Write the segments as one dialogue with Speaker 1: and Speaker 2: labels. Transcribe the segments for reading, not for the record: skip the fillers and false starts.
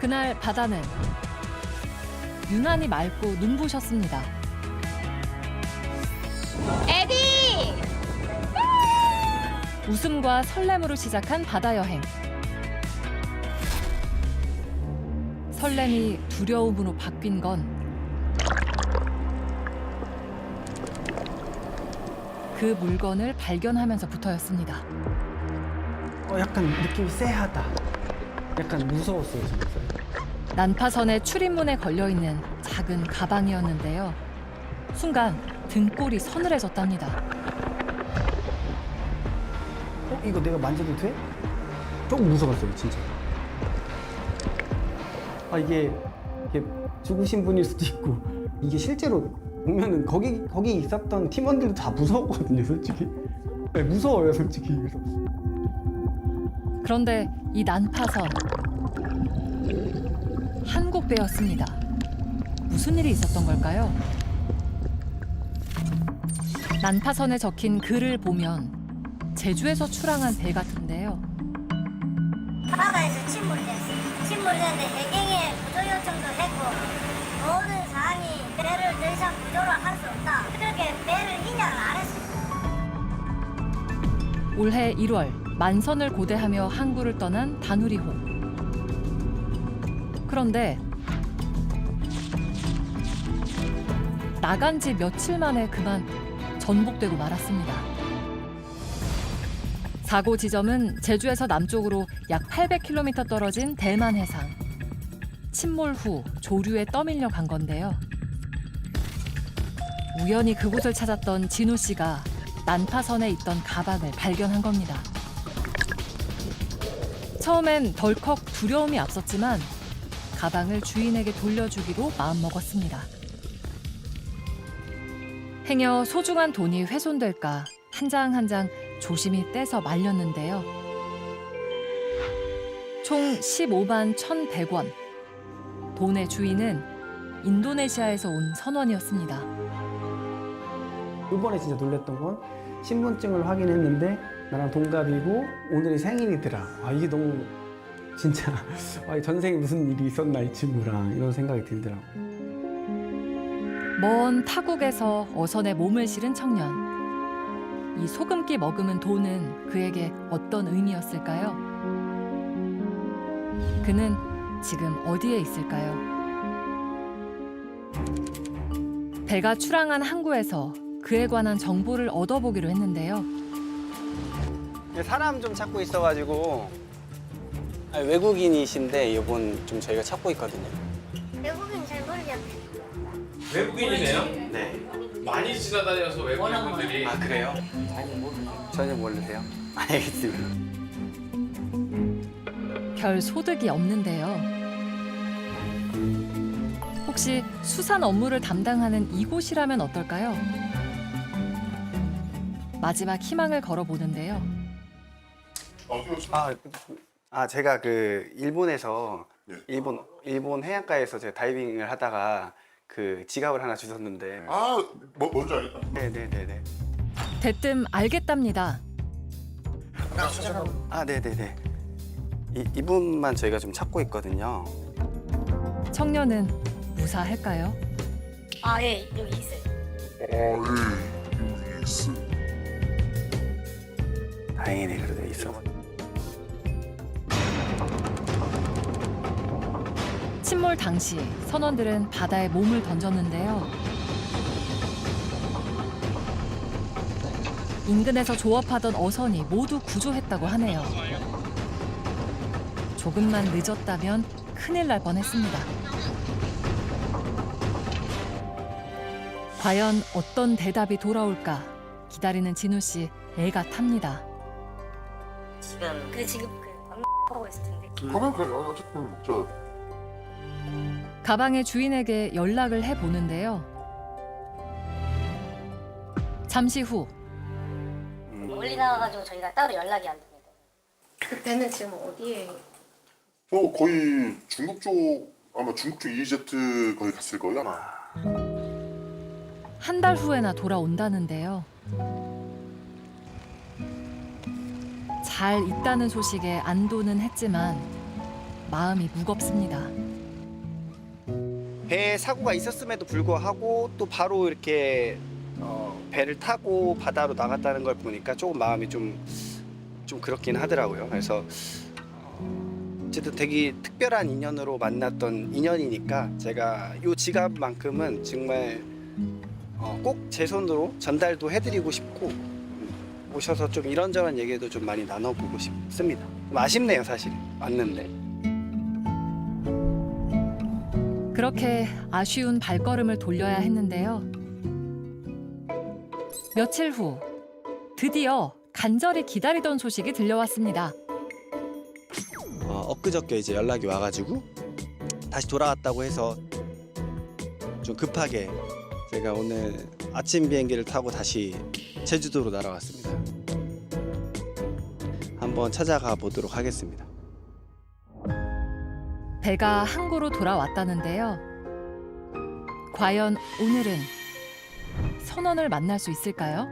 Speaker 1: 그날 바다는 유난히 맑고 눈부셨습니다.
Speaker 2: 에디!
Speaker 1: 웃음과 설렘으로 시작한 바다 여행. 설렘이 두려움으로 바뀐 건 그 물건을 발견하면서부터였습니다.
Speaker 3: 약간 느낌이 쎄하다. 약간 무서웠어요, 진짜.
Speaker 1: 난파선의 출입문에 걸려있는 작은 가방이었는데요. 순간 등골이 서늘해졌답니다.
Speaker 3: 이거 내가 만져도 돼? 조금 무서웠어요, 진짜. 이게 죽으신 분일 수도 있고, 이게 실제로 보면은 거기 있었던 팀원들도 다 무서웠거든요, 솔직히. 네, 무서워요, 솔직히. 그래서.
Speaker 1: 그런데 이 난파선 한국배였습니다. 무슨 일이 있었던 걸까요? 난파선에 적힌 글을 보면 제주에서 출항한 배 같은데요.
Speaker 4: 바다에서 침몰됐어요. 침몰됐는데 해경에 구조 요청도 했고 모든 사항이 배를 더 이상 구조를 할 수 없다. 그렇게 배를 인양을 안 했어요.
Speaker 1: 올해 1월 만선을 고대하며 항구를 떠난 다누리호. 그런데 나간 지 며칠 만에 그만 전복되고 말았습니다. 사고 지점은 제주에서 남쪽으로 약 800km 떨어진 대만 해상. 침몰 후 조류에 떠밀려 간 건데요. 우연히 그곳을 찾았던 진우 씨가 난파선에 있던 가방을 발견한 겁니다. 처음엔 덜컥 두려움이 앞섰지만 가방을 주인에게 돌려주기로 마음먹었습니다. 행여 소중한 돈이 훼손될까 한 장 한 장 조심히 떼서 말렸는데요. 총 15만 1,100원. 돈의 주인은 인도네시아에서 온 선원이었습니다.
Speaker 3: 이번에 진짜 놀랬던 건 신분증을 확인했는데 나랑 동갑이고 오늘이 생일이더라. 이게 너무 진짜 전생에 무슨 일이 있었나 이 친구랑 이런 생각이 들더라고.
Speaker 1: 먼 타국에서 어선에 몸을 실은 청년. 이 소금기 머금은 돈은 그에게 어떤 의미였을까요? 그는 지금 어디에 있을까요? 배가 출항한 항구에서 그에 관한 정보를 얻어보기로 했는데요.
Speaker 5: 사람 좀 찾고 있어가지고 외국인이신데 이번 좀 저희가 찾고 있거든요.
Speaker 4: 외국인 잘 모르겠네.
Speaker 6: 외국인이네요?
Speaker 5: 네.
Speaker 6: 많이 지나다녀서 외국인분들이.
Speaker 5: 아 그래요? 전혀 모르세요? 알겠습니다.
Speaker 1: 별 소득이 없는데요. 혹시 수산 업무를 담당하는 이곳이라면 어떨까요? 마지막 희망을 걸어보는데요.
Speaker 5: 제가 그 일본에서 일본 해안가에서 제가 다이빙을 하다가 그 지갑을 하나 주셨는데.
Speaker 7: 뭔지 알겠다.
Speaker 5: 네네네네.
Speaker 1: 대뜸 알겠답니다.
Speaker 5: 네네네. 이분만 저희가 좀 찾고 있거든요.
Speaker 1: 청년은 무사할까요?
Speaker 4: 예, 여기 있어요.
Speaker 7: 여기 있어.
Speaker 5: 다행이네 그래도 있어.
Speaker 1: 침몰 당시 선원들은 바다에 몸을 던졌는데요. 인근에서 조업하던 어선이 모두 구조했다고 하네요. 조금만 늦었다면 큰일 날 뻔했습니다. 과연 어떤 대답이 돌아올까 기다리는 진우 씨 애가 탑니다.
Speaker 4: 지금 하고 있을 텐데.
Speaker 7: 그러면 그래. 어쨌든 먹자.
Speaker 1: 가방의 주인에게 연락을 해보는데요. 잠시 후
Speaker 4: 멀리 나와가지고 저희가 따로 연락이 안 됩니다.
Speaker 2: 그때는 지금 어디에?
Speaker 7: 거의 중국 쪽 아마 중국 쪽 EEZ 거기 갔을 거예요 아마.
Speaker 1: 한 달 후에나 돌아온다는데요. 잘 있다는 소식에 안도는 했지만 마음이 무겁습니다.
Speaker 5: 배에 사고가 있었음에도 불구하고 또 바로 이렇게 배를 타고 바다로 나갔다는 걸 보니까 조금 마음이 좀 그렇긴 하더라고요. 그래서 어쨌든 되게 특별한 인연으로 만났던 인연이니까 제가 이 지갑만큼은 정말 꼭 제 손으로 전달도 해드리고 싶고 오셔서 좀 이런저런 얘기도 좀 많이 나눠보고 싶습니다. 좀 아쉽네요, 사실 왔는데.
Speaker 1: 그렇게 아쉬운 발걸음을 돌려야 했는데요. 며칠 후 드디어 간절히 기다리던 소식이 들려왔습니다.
Speaker 5: 엊그저께 이제 연락이 와가지고 다시 돌아왔다고 해서 좀 급하게 제가 오늘 아침 비행기를 타고 다시 제주도로 날아왔습니다. 한번 찾아가 보도록 하겠습니다.
Speaker 1: 배가 항구로 돌아왔다는데요. 과연 오늘은 선원을 만날 수 있을까요?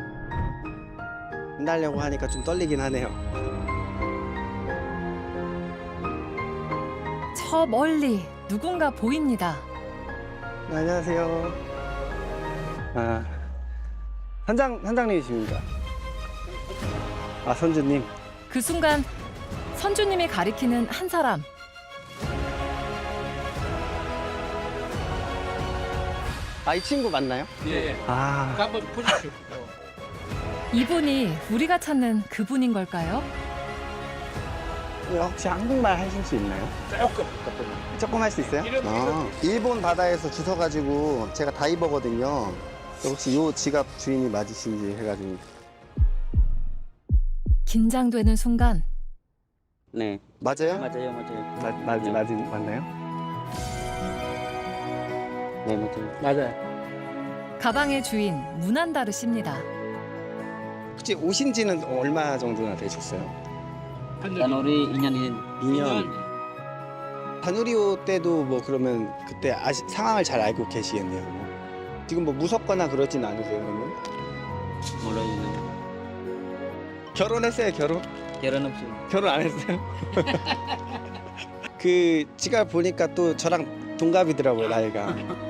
Speaker 5: 만나려고 하니까 좀 떨리긴 하네요.
Speaker 1: 저 멀리 누군가 보입니다.
Speaker 5: 네, 안녕하세요. 선장님이십니까? 선주님.
Speaker 1: 그 순간 선주님이 가리키는 한 사람.
Speaker 5: 이 친구 맞나요?
Speaker 6: 예. 한번 보십시오.
Speaker 1: 이분이 우리가 찾는 그분인 걸까요?
Speaker 5: 혹시 한국말 하실 수 있나요? 조금 할 수 있어요? 일본 바다에서 주워가지고 제가 다이버거든요. 혹시 요 지갑 주인이 맞으신지 해가지고.
Speaker 1: 긴장되는 순간
Speaker 8: 네,
Speaker 5: 맞아요?
Speaker 8: 맞아요.
Speaker 5: 맞나요?
Speaker 8: 네, 맞아요.
Speaker 3: 맞아요.
Speaker 1: 가방의 주인 문한다르 씨입니다.
Speaker 5: 혹시 오신 지는 얼마 정도나 되셨어요?
Speaker 8: 자누리 2년이
Speaker 5: 2년. 바누리오 때도 뭐 그러면 그때 상황을 잘 알고 계시겠네요. 지금 뭐 무섭거나 그러진 않으세요, 그러면?
Speaker 8: 몰라요.
Speaker 5: 결혼했어요, 결혼?
Speaker 8: 결혼 없어요.
Speaker 5: 결혼 안 했어요? 그 지갑 보니까 또 저랑 동갑이더라고요, 나이가.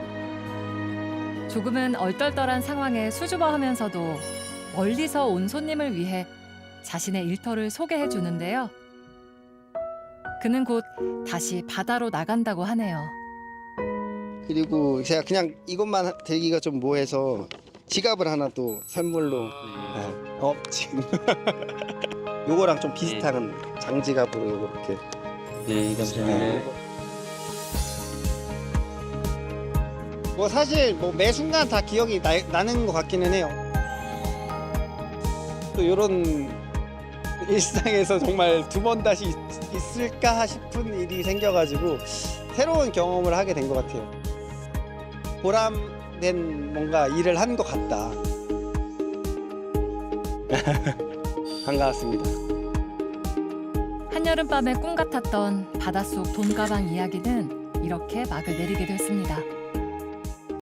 Speaker 1: 조금은 얼떨떨한 상황에 수줍어하면서도 멀리서 온 손님을 위해 자신의 일터를 소개해 주는데요. 그는 곧 다시 바다로 나간다고 하네요.
Speaker 5: 그리고 제가 그냥 이것만 들기가 좀 뭐해서 지갑을 하나 또 선물로. 지금 요거랑 좀 비슷한 장지갑으로 이렇게.
Speaker 8: 네, 감사합니다.
Speaker 5: 뭐 사실 뭐 매 순간 다 기억이 나는 것 같기는 해요. 또 이런 일상에서 정말 두 번 다시 있을까 싶은 일이 생겨가지고 새로운 경험을 하게 된 것 같아요. 보람된 뭔가 일을 한 것 같다. 반가웠습니다.
Speaker 1: 한여름밤의 꿈 같았던 바닷속 돈가방 이야기는 이렇게 막을 내리게 됐습니다.